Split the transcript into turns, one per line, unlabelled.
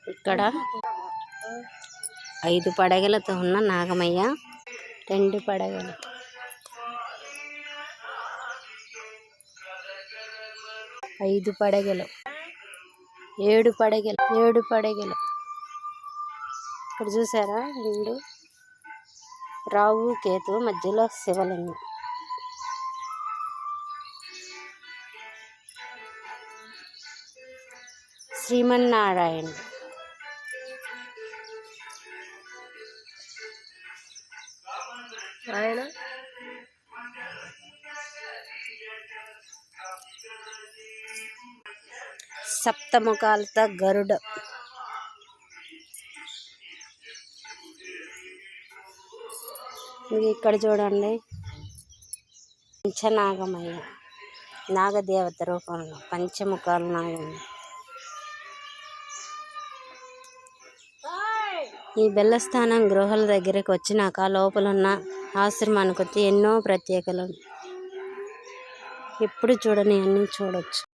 ఇక్కడ 5 పడగలతో ఉన్న నాగమయ్య, 2 పడగలు, 5 పడగలు, 7 పడగలు. ఇక్కడ చూసారా 2 రావు కేతు, మధ్యలో శివలింగం. శ్రీమన్నారాయణ. ఆయన సప్తముఖాలతో గరుడ. ఇక్కడ చూడండి పంచనాగమయ్య, నాగదేవత రూపంలో పంచముఖాలు నాగమయ్య. ఈ బెల్లస్థానం గృహాల దగ్గరికి వచ్చినాక లోపలున్న ఆశ్రమానికి వచ్చి ఎన్నో ప్రత్యేకలు ఎప్పుడు చూడని అన్నీ చూడొచ్చు.